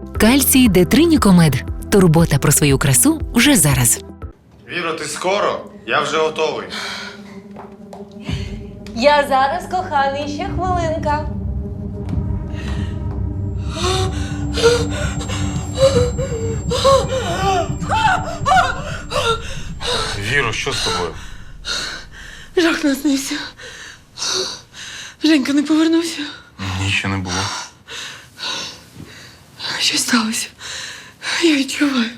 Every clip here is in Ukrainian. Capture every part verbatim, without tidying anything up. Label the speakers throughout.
Speaker 1: Кальцій Детринікомед. Турбота про свою красу вже зараз.
Speaker 2: Віро, ти скоро? Я вже готовий.
Speaker 3: Я зараз, коханий, ще хвилинка.
Speaker 2: Віро, що з тобою?
Speaker 3: Жах наснився. Женька не повернувся.
Speaker 2: Ні, ще не було.
Speaker 3: Що сталося? Я відчуваю.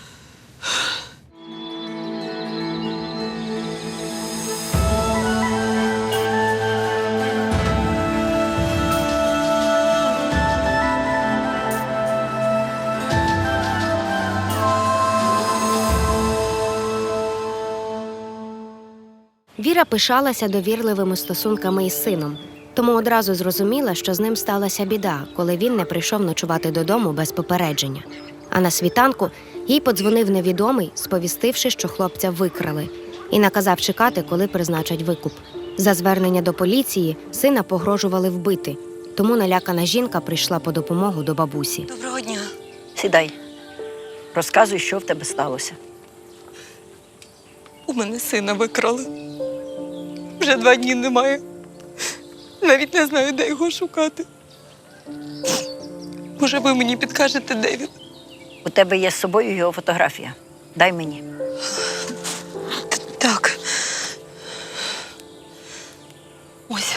Speaker 4: Віра пишалася довірливими стосунками із сином, тому одразу зрозуміла, що з ним сталася біда, коли він не прийшов ночувати додому без попередження. А на світанку їй подзвонив невідомий, сповістивши, що хлопця викрали, і наказав чекати, коли призначать викуп. За звернення до поліції сина погрожували вбити, тому налякана жінка прийшла по допомогу до бабусі.
Speaker 3: Доброго дня.
Speaker 5: Сідай. Розказуй, що в тебе сталося.
Speaker 3: У мене сина викрали. Вже два дні немає. Навіть не знаю, де його шукати. Може, ви мені підкажете, де він?
Speaker 5: У тебе є з собою його фотографія. Дай мені.
Speaker 3: Так. Ось.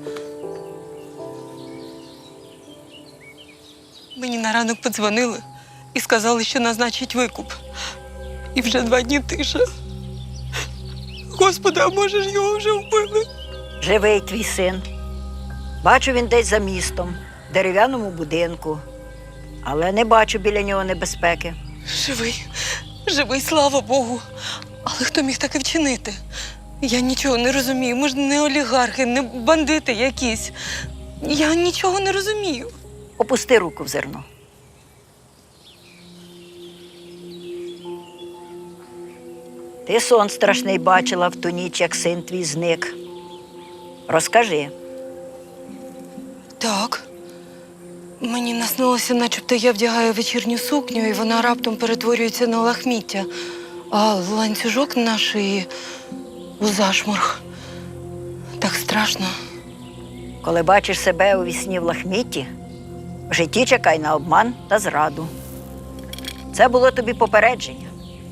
Speaker 3: Мені на ранок подзвонили і сказали, що назначать викуп. І вже два дні тиша. Господи, а може ж його вже вбили?
Speaker 5: Живий твій син. Бачу, він десь за містом, в дерев'яному будинку. Але не бачу біля нього небезпеки.
Speaker 3: Живий. Живий, слава Богу. Але хто міг таке вчинити? Я нічого не розумію. Ми ж не олігархи, не бандити якісь. Я нічого не розумію.
Speaker 5: Опусти руку в зерно. Ти сон страшний бачила в ту ніч, як син твій зник. Розкажи.
Speaker 3: Так. Мені наснилося, начебто я вдягаю вечірню сукню, і вона раптом перетворюється на лахміття. А ланцюжок на шиї у зашморг. Так страшно.
Speaker 5: Коли бачиш себе у вісні в лахмітті, в житті чекай на обман та зраду. Це було тобі попередження.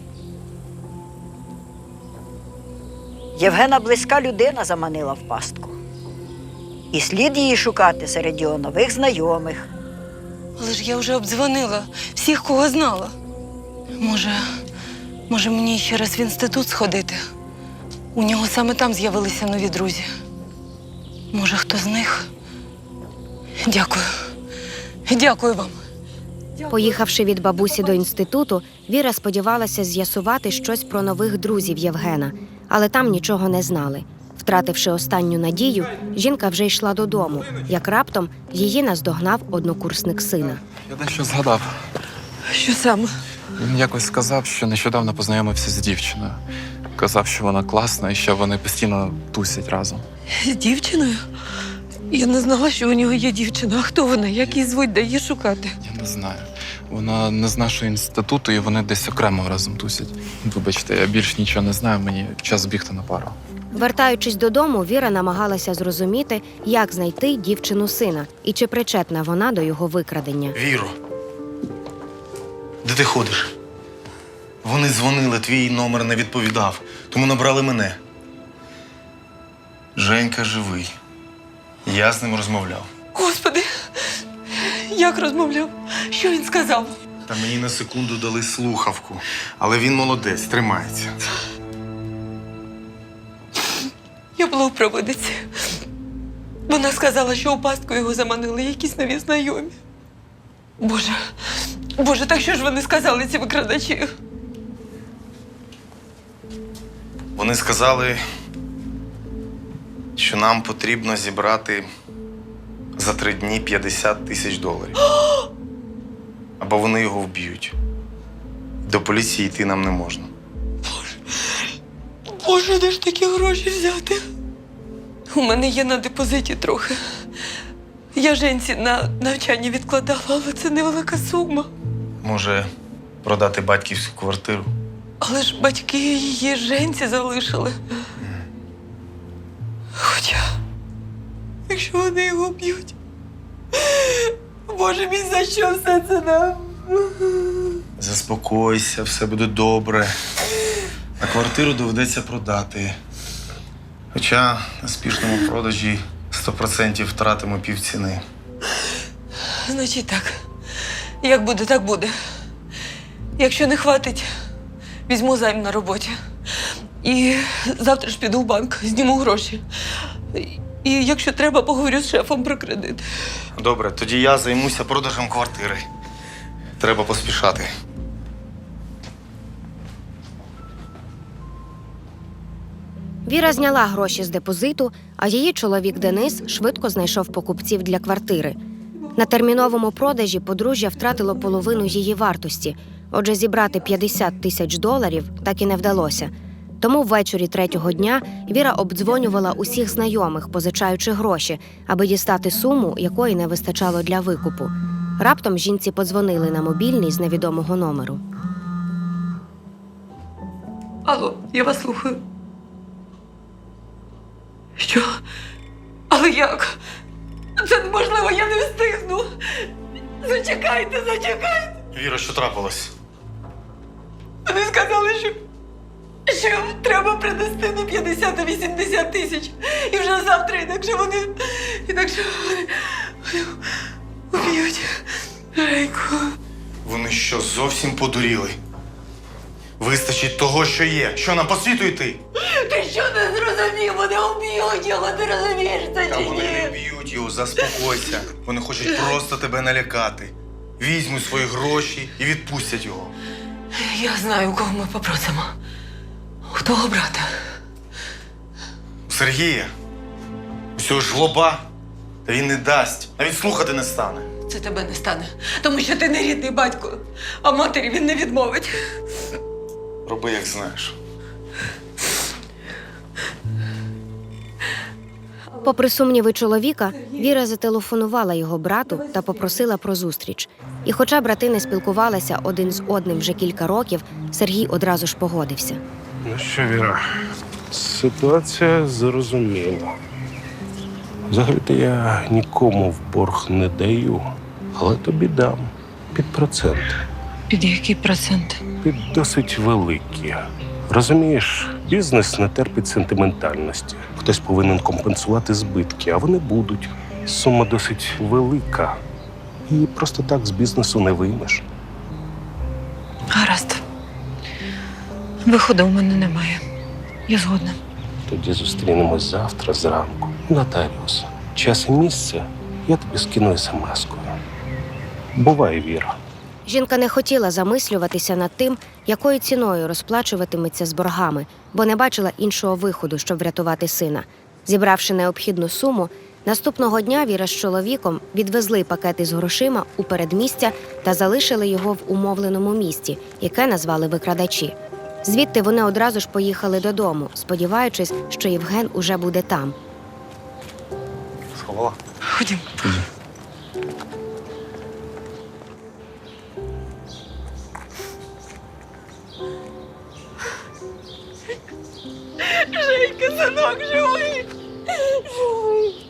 Speaker 5: Євгена близька людина заманила в пастку. І слід її шукати серед його нових знайомих.
Speaker 3: Але ж я вже обдзвонила всіх, кого знала. Може, може мені ще раз в інститут сходити? У нього саме там з'явилися нові друзі. Може, хто з них? Дякую. Дякую вам.
Speaker 4: Поїхавши від бабусі до інституту, Віра сподівалася з'ясувати щось про нових друзів Євгена, але там нічого не знали. Втративши останню надію, жінка вже йшла додому, як раптом її наздогнав однокурсник сина.
Speaker 6: Я дещо згадав.
Speaker 3: Що саме?
Speaker 6: Він якось сказав, що нещодавно познайомився з дівчиною. Казав, що вона класна і що вони постійно тусять разом.
Speaker 3: З дівчиною? Я не знала, що у нього є дівчина. А хто вона? Як її звуть, де її шукати?
Speaker 6: Я не знаю. Вона не з нашого інституту, і вони десь окремо разом тусять. Вибачте, я більш нічого не знаю, мені час бігти на пару.
Speaker 4: Вертаючись додому, Віра намагалася зрозуміти, як знайти дівчину сина і чи причетна вона до його викрадення.
Speaker 2: Віро, де ти ходиш? Вони дзвонили, твій номер не відповідав, тому набрали мене. Женька живий. Я з ним розмовляв.
Speaker 3: Господи, як розмовляв? Що він сказав?
Speaker 2: Та мені на секунду дали слухавку. Але він молодець, тримається.
Speaker 3: Я була у провидиці. Вона сказала, що у пастку його заманили якісь нові знайомі. Боже, Боже, так що ж вони сказали, ці викрадачі?
Speaker 2: Вони сказали, що нам потрібно зібрати за три дні п'ятдесят тисяч доларів. Або вони його вб'ють. До поліції йти нам не можна.
Speaker 3: Боже, де ж такі гроші взяти? У мене є на депозиті трохи. Я Женці на навчання відкладала, але це невелика сума.
Speaker 2: Може, продати батьківську квартиру?
Speaker 3: Але ж батьки її Женці залишили. Хоча, якщо вони його б'ють, Боже мій, за що все це нам?
Speaker 2: Заспокойся, все буде добре. А квартиру доведеться продати. Хоча на спішному продажі сто відсотків втратимо півціни.
Speaker 3: Значить так. Як буде, так буде. Якщо не хватить, візьму займ на роботі. І завтра ж піду в банк, зніму гроші. І якщо треба, поговорю з шефом про кредит.
Speaker 2: Добре, тоді я займуся продажем квартири. Треба поспішати.
Speaker 4: Віра зняла гроші з депозиту, а її чоловік Денис швидко знайшов покупців для квартири. На терміновому продажі подружжя втратило половину її вартості, отже, зібрати п'ятдесят тисяч доларів так і не вдалося. Тому ввечері третього дня Віра обдзвонювала усіх знайомих, позичаючи гроші, аби дістати суму, якої не вистачало для викупу. Раптом жінці подзвонили на мобільний з невідомого номеру.
Speaker 3: Алло, я вас слухаю. Що? Але як? Це неможливо, я не встигну. Зачекайте, зачекайте.
Speaker 2: Віра, що трапилось?
Speaker 3: Вони сказали, що, що треба принести не п'ятдесят, а вісімдесят тисяч. І вже завтра, інакше вони, інакше вони, вони уб'ють Женьку.
Speaker 2: Вони що, зовсім подуріли? Вистачить того, що є. Що нам по світу йти?
Speaker 3: Ти що не зрозумів? Вони уб'ють його, ти розумієш це
Speaker 2: Та
Speaker 3: чи
Speaker 2: вони не
Speaker 3: ні?
Speaker 2: б'ють його, заспокойся. Вони хочуть просто тебе налякати. Візьмуть свої гроші і відпустять його.
Speaker 3: Я знаю, у кого ми попросимо. У того брата.
Speaker 2: У Сергія. Усього жлоба. Та він не дасть. Навіть слухати не стане.
Speaker 3: Це тебе не стане, тому що ти не рідний батько, а матері він не відмовить.
Speaker 2: Роби, як знаєш.
Speaker 4: Попри сумніви чоловіка, Віра зателефонувала його брату та попросила про зустріч. І хоча брати не спілкувалися один з одним вже кілька років, Сергій одразу ж погодився.
Speaker 7: Ну що, Віра, ситуація зрозуміла. Взагалі-то я нікому в борг не даю, але тобі дам під процент.
Speaker 3: Під який процент?
Speaker 7: Під досить великі. Розумієш, бізнес не терпить сентиментальності. Хтось повинен компенсувати збитки, а вони будуть. Сума досить велика. І просто так з бізнесу не виймеш.
Speaker 3: Гаразд. Виходу у мене немає. Я згодна.
Speaker 7: Тоді зустрінемось завтра зранку. Нотаріус. Час і місце я тобі скину смс-кою. Бувай, Віра.
Speaker 4: Жінка не хотіла замислюватися над тим, якою ціною розплачуватиметься з боргами, бо не бачила іншого виходу, щоб врятувати сина. Зібравши необхідну суму, наступного дня Віра з чоловіком відвезли пакети з грошима у передмістя та залишили його в умовленому місті, яке назвали викрадачі. Звідти вони одразу ж поїхали додому, сподіваючись, що Євген уже буде там.
Speaker 2: Сховала?
Speaker 3: Ходім. Женька, синок, живий! Живий!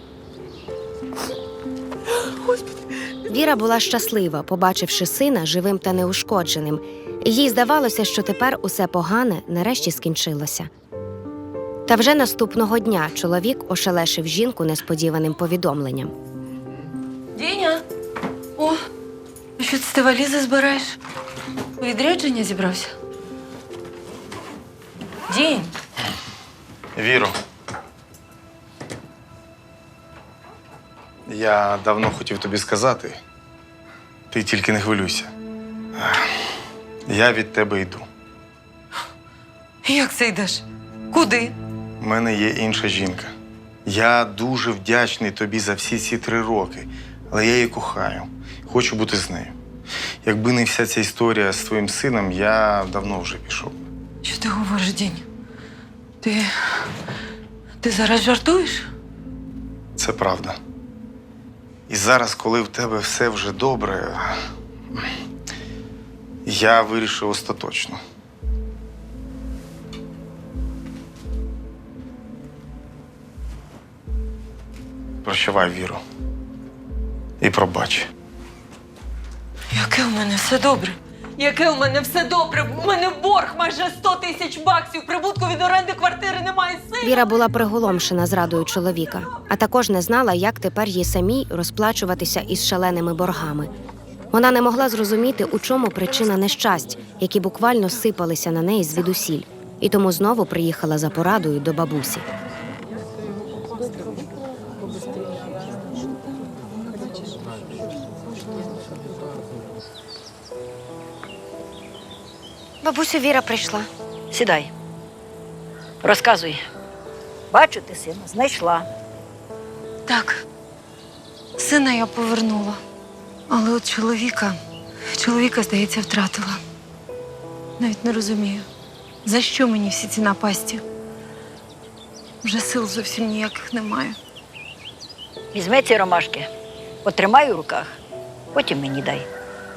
Speaker 3: Господи!
Speaker 4: Віра була щаслива, побачивши сина живим та неушкодженим. І їй здавалося, що тепер усе погане нарешті скінчилося. Та вже наступного дня чоловік ошелешив жінку несподіваним повідомленням.
Speaker 3: Діня! О, а що це ти валізи збираєш? У відрядження зібрався? Дінь!
Speaker 2: Віро. Я давно хотів тобі сказати. Ти тільки не хвилюйся. Я від тебе йду.
Speaker 3: Як це йдеш? Куди?
Speaker 2: У мене є інша жінка. Я дуже вдячний тобі за всі ці три роки, але я її кохаю. Хочу бути з нею. Якби не вся ця історія з твоїм сином, я давно вже пішов.
Speaker 3: Що ти говориш, Дінь? Ти... Ти зараз жартуєш?
Speaker 2: Це правда. І зараз, коли в тебе все вже добре, я вирішив остаточно. Прощавай, Віру. І пробач.
Speaker 3: Яке у мене все добре? Яке у мене все добре? У мене борг майже сто тисяч баксів. Прибутку від оренди квартири немає. Сина.
Speaker 4: Віра була приголомшена зрадою чоловіка, а також не знала, як тепер їй самій розплачуватися із шаленими боргами. Вона не могла зрозуміти, у чому причина нещасть, які буквально сипалися на неї звідусіль, і тому знову приїхала за порадою до бабусі. Бабусю, Віра прийшла.
Speaker 5: Сідай. Розказуй. Бачу, ти сина знайшла.
Speaker 3: Так, сина я повернула. Але от чоловіка, чоловіка, здається, втратила. Навіть не розумію, за що мені всі ці напасті. Вже сил зовсім ніяких немає.
Speaker 5: Візьми ці ромашки, потримай у руках, потім мені дай.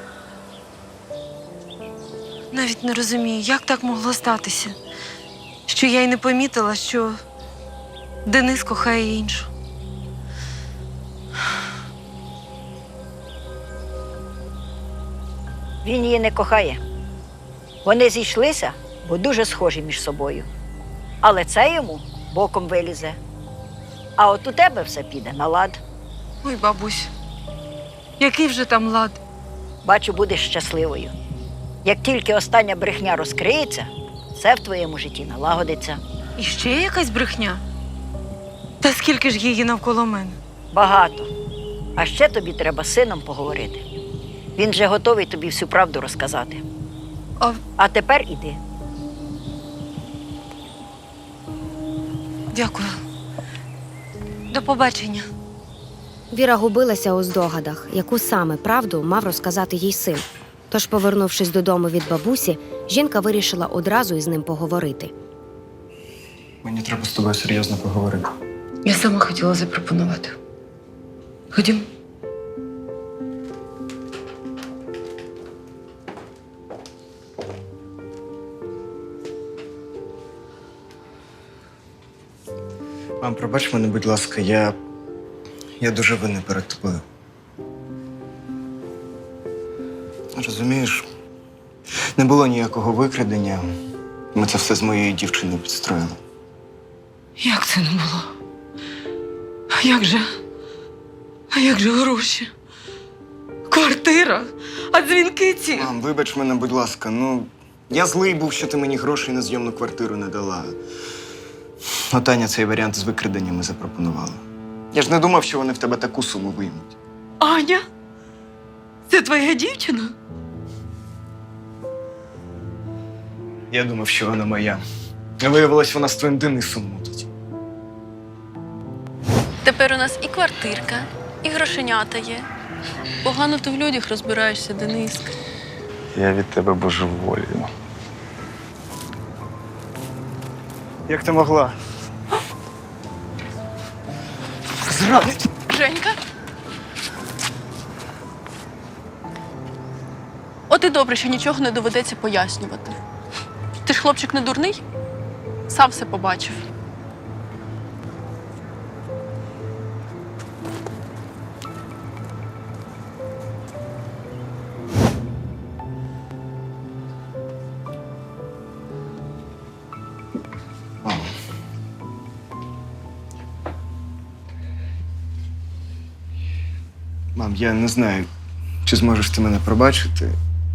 Speaker 3: Навіть не розумію, як так могло статися, що я й не помітила, що Денис кохає іншу.
Speaker 5: Він її не кохає. Вони зійшлися, бо дуже схожі між собою. Але це йому боком вилізе. А от у тебе все піде на лад.
Speaker 3: Ой, бабусь, який вже там лад?
Speaker 5: Бачу, будеш щасливою. Як тільки остання брехня розкриється, все в твоєму житті налагодиться.
Speaker 3: І ще якась брехня? Та скільки ж її навколо мене?
Speaker 5: Багато. А ще тобі треба з сином поговорити. Він же готовий тобі всю правду розказати.
Speaker 3: А,
Speaker 5: А тепер іди.
Speaker 3: дякую. До побачення.
Speaker 4: Віра губилася у здогадах, яку саме правду мав розказати їй син. Тож, повернувшись додому від бабусі, жінка вирішила одразу із ним поговорити.
Speaker 6: Мені треба з тобою серйозно поговорити.
Speaker 3: Я сама хотіла запропонувати. Ходім.
Speaker 8: Мам, пробач мене, будь ласка, я. Я дуже винний перед тобою. Розумієш, не було ніякого викрадення. Ми це все з моєю дівчиною підстроїли.
Speaker 3: Як це не було? А як же? А як же гроші? Квартира? А дзвінки ці?
Speaker 8: Мам, вибач мене, будь ласка, ну, я злий був, що ти мені грошей на зйомну квартиру не дала. Ну, Таня цей варіант з викраденнями запропонувала. Я ж не думав, що вони в тебе таку суму виймуть.
Speaker 3: Аня? Це твоя дівчина?
Speaker 8: Я думав, що вона моя. А виявилось, вона з твоїм Денисом мутить.
Speaker 9: Тепер у нас і квартирка, і грошенята є. Погано ти в людях розбираєшся, Дениска.
Speaker 2: Я від тебе божеволію.
Speaker 8: Як ти могла? Зрадить!
Speaker 9: Женька? От і добре, що нічого не доведеться пояснювати. Ти ж хлопчик не дурний? Сам все побачив.
Speaker 8: Мам. Мам, я не знаю, чи зможеш ти мене пробачити.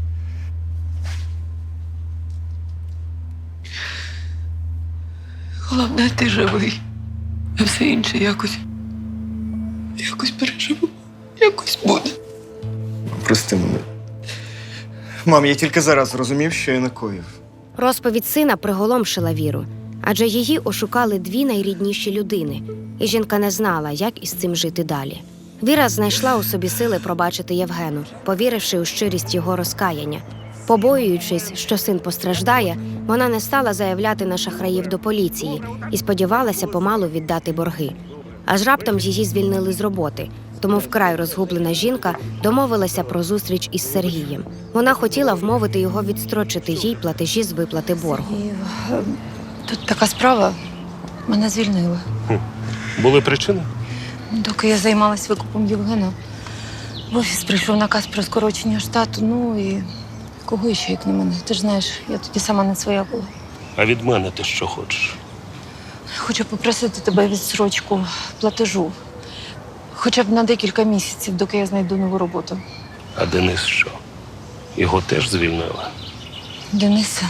Speaker 3: Головне, ти живий. А все інше якось. Якось переживу. Якось буде.
Speaker 8: Мам, прости мене. Мам, я тільки зараз зрозумів, що я накоїв.
Speaker 4: Розповідь сина приголомшила Віру, адже її ошукали дві найрідніші людини, і жінка не знала, як із цим жити далі. Віра знайшла у собі сили пробачити Євгену, повіривши у щирість його розкаяння. Побоюючись, що син постраждає, вона не стала заявляти на шахраїв до поліції і сподівалася помалу віддати борги. Аж раптом її звільнили з роботи, тому вкрай розгублена жінка домовилася про зустріч із Сергієм. Вона хотіла вмовити його відстрочити їй платежі з виплати боргу.
Speaker 3: І, е, тут така справа. Мене звільнили.
Speaker 7: Були причини?
Speaker 3: Доки я займалась викупом Євгена, в офіс прийшов наказ про скорочення штату. Ну і кого ще, як не мене? Ти ж знаєш, я тоді сама не своя була.
Speaker 7: А від мене ти що хочеш?
Speaker 3: Хочу попросити тебе відсрочку платежу. Хоча б на декілька місяців, доки я знайду нову роботу.
Speaker 7: А Денис що? Його теж звільнили?
Speaker 3: Дениса.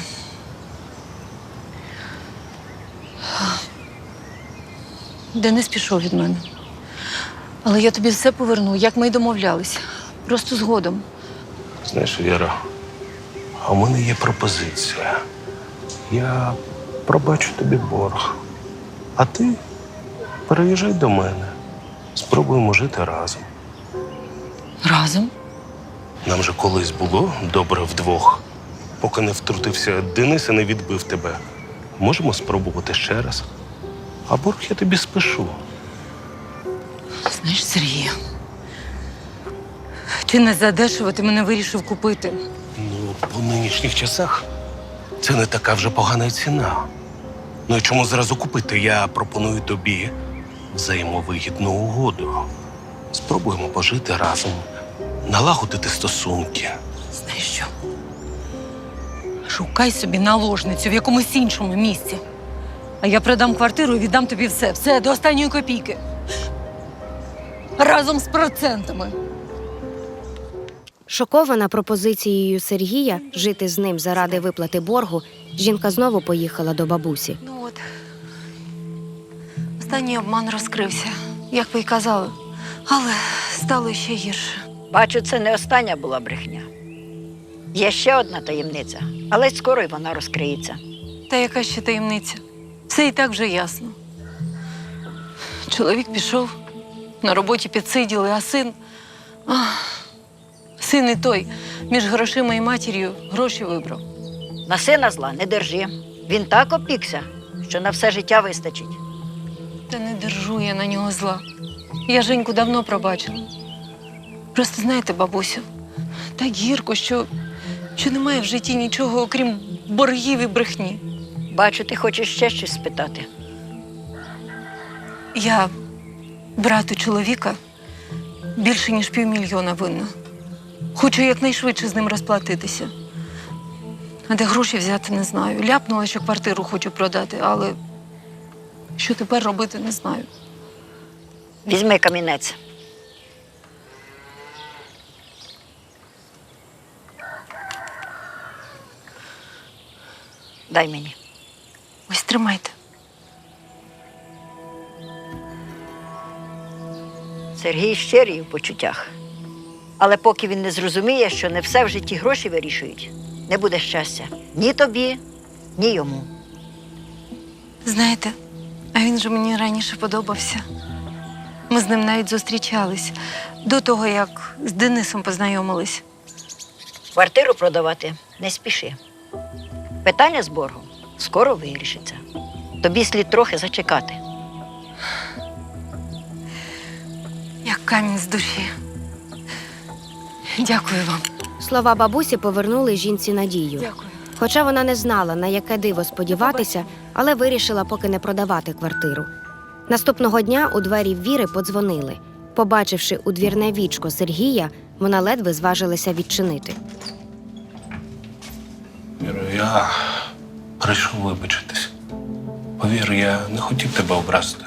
Speaker 3: Денис пішов від мене. Але я тобі все поверну, як ми й домовлялися. Просто згодом.
Speaker 7: Знаєш, Віра, а у мене є пропозиція. Я пробачу тобі борг. А ти переїжджай до мене. Спробуємо жити разом.
Speaker 3: Разом?
Speaker 7: Нам же колись було добре вдвох. Поки не втрутився Денис і не відбив тебе. Можемо спробувати ще раз. А борг я тобі спишу.
Speaker 3: Знаєш, Сергію, ти не задешево, ти мене вирішив купити.
Speaker 7: Ну, по нинішніх часах це не така вже погана ціна. Ну і чому зразу купити? Я пропоную тобі взаємовигідну угоду. Спробуємо пожити разом, налагодити стосунки.
Speaker 3: Знаєш що? Шукай собі наложницю в якомусь іншому місці. А я продам квартиру і віддам тобі все. Все, до останньої копійки. Разом з процентами.
Speaker 4: Шокована пропозицією Сергія жити з ним заради виплати боргу, жінка знову поїхала до бабусі.
Speaker 3: Ну от. Останній обман розкрився, як ви й казали. Але стало ще гірше.
Speaker 5: Бачу, це не остання була брехня. Є ще одна таємниця, але й скоро й вона розкриється.
Speaker 3: Та яка ще таємниця? Все і так вже ясно. Чоловік пішов, на роботі підсиділи, а син... Ах, син і той між грошима і матір'ю гроші вибрав.
Speaker 5: На сина зла не держи. Він так опікся, що на все життя вистачить.
Speaker 3: Та не держу я на нього зла. Я Женьку давно пробачила. Просто знаєте, бабусю, так гірко, що, що немає в житті нічого, окрім боргів і брехні.
Speaker 5: Бачу, ти хочеш ще щось спитати.
Speaker 3: Я брату чоловіка більше, ніж півмільйона винна. Хочу якнайшвидше з ним розплатитися. А де гроші взяти, не знаю. Ляпнула, що квартиру хочу продати, але що тепер робити, не знаю.
Speaker 5: Візьми камінець. Дай мені.
Speaker 3: Ось тримайте.
Speaker 5: Сергій щирий у почуттях. Але поки він не зрозуміє, що не все в житті гроші вирішують, не буде щастя ні тобі, ні йому.
Speaker 3: Знаєте, а він же мені раніше подобався. Ми з ним навіть зустрічались до того, як з Денисом познайомились.
Speaker 5: Квартиру продавати не спіши. Питання з боргом скоро вирішиться. Тобі слід трохи зачекати.
Speaker 3: Як камінь з душі. Дякую вам.
Speaker 4: Слова бабусі повернули жінці надію.
Speaker 3: Дякую.
Speaker 4: Хоча вона не знала, на яке диво сподіватися, але вирішила поки не продавати квартиру. Наступного дня у двері Віри подзвонили. Побачивши у двірне вічко Сергія, вона ледве зважилася відчинити.
Speaker 7: Віро, я прийшов вибачитись. Повір, я не хотів тебе образити.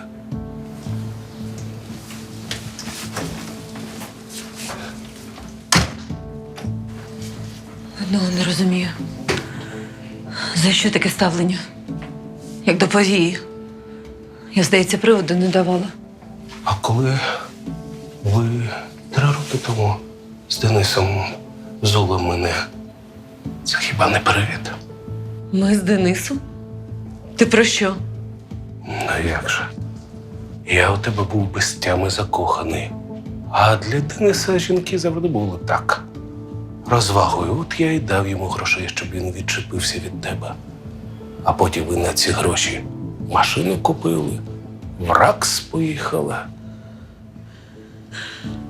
Speaker 3: Одного не розумію. За що таке ставлення? Як до повії. Я, здається, приводу не давала.
Speaker 7: А коли ви три роки тому з Денисом зули мене, це хіба не привід?
Speaker 3: Ми з Денисом? Ти про що?
Speaker 7: Ну як же? Я у тебе був без тями закоханий. А для Дениса жінки завжди були так. Розвагою, от я й дав йому грошей, щоб він відчепився від тебе. А потім ви на ці гроші машину купили, в РАКС поїхали.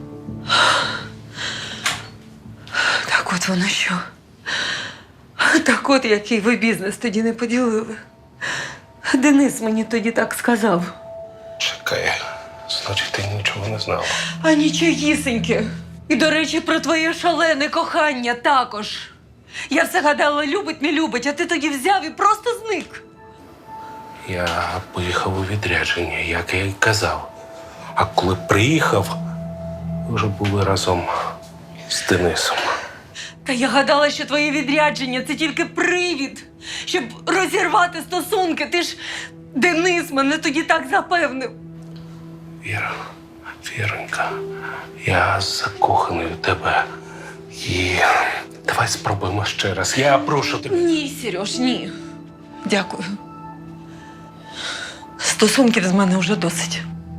Speaker 3: Так от воно що. Так от який ви бізнес тоді не поділили. Денис мені тоді так сказав.
Speaker 7: Чекай, значить, ти нічого не знала.
Speaker 3: А нічогісеньке. І, до речі, про твоє шалене кохання також. Я все гадала, любить, не любить, а ти тоді взяв і просто зник.
Speaker 7: Я поїхав у відрядження, як я й казав. А коли приїхав, вже були разом з Денисом.
Speaker 3: Та я гадала, що твоє відрядження – це тільки привід, щоб розірвати стосунки. Ти ж, Денис, мене тоді так запевнив.
Speaker 7: Віра, Віронька, я закоханий у тебе. І давай спробуємо ще раз. Я прошу тебе.
Speaker 3: Ні, Сереж, ні. Дякую. Стосунків з мене вже досить.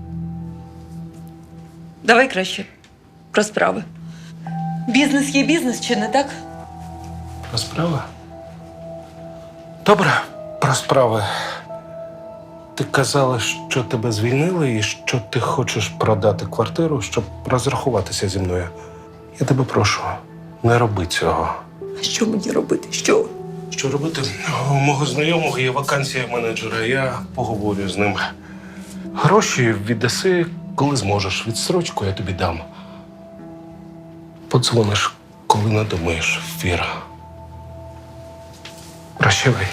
Speaker 3: Давай краще про справи. Бізнес є бізнес, чи не так?
Speaker 7: Про справи? Добре, про справи. Ти казала, що тебе звільнили і що ти хочеш продати квартиру, щоб розрахуватися зі мною. Я тебе прошу, не роби цього.
Speaker 3: А що мені робити? Що?
Speaker 7: Що робити? У мого знайомого є вакансія менеджера, я поговорю з ним. Гроші віддаси, коли зможеш. Відстрочку я тобі дам. Подзвониш, коли надумаєш, Віра. Прощавай.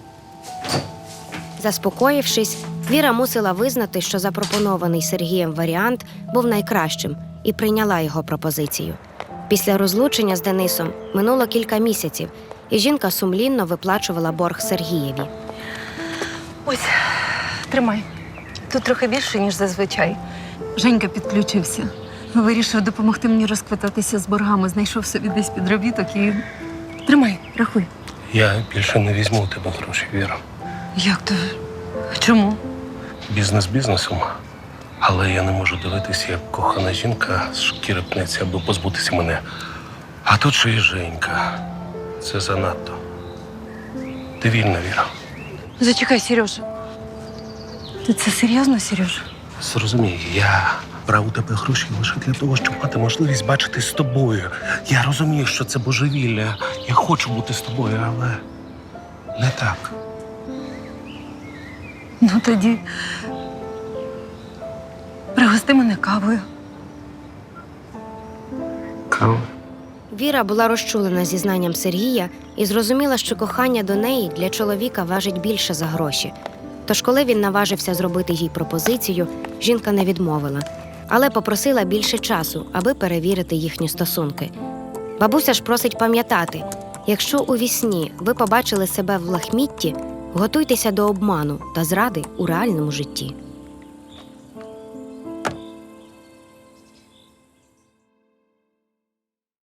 Speaker 4: Заспокоївшись, Віра мусила визнати, що запропонований Сергієм варіант був найкращим, і прийняла його пропозицію. Після розлучення з Денисом минуло кілька місяців, і жінка сумлінно виплачувала борг Сергієві.
Speaker 3: Ось, тримай. Тут трохи більше, ніж зазвичай. Женька підключився. Вирішив допомогти мені розквитатися з боргами. Знайшов собі десь підробіток і... Тримай, рахуй.
Speaker 7: Я більше не візьму у тебе гроші, Віра.
Speaker 3: Як то? Чому?
Speaker 7: Бізнес бізнесом. Але я не можу дивитися, як кохана жінка з шкіри пнеться, аби позбутися мене. А тут ще й Женька. Це занадто. Ти вільна, Віра.
Speaker 3: Зачекай, Сережа. Ти це серйозно, Сережа?
Speaker 7: Зрозумій, я брав у тебе гроші лише для того, щоб мати можливість бачитись з тобою. Я розумію, що це божевілля. Я хочу бути з тобою, але не так.
Speaker 3: Ну тоді пригости мене кавою.
Speaker 7: Кава?
Speaker 4: Віра була розчулена зізнанням Сергія і зрозуміла, що кохання до неї для чоловіка важить більше за гроші. Тож, коли він наважився зробити їй пропозицію, жінка не відмовила, але попросила більше часу, аби перевірити їхні стосунки. Бабуся ж просить пам'ятати, якщо у вісні ви побачили себе в лахмітті, готуйтеся до обману та зради у реальному житті.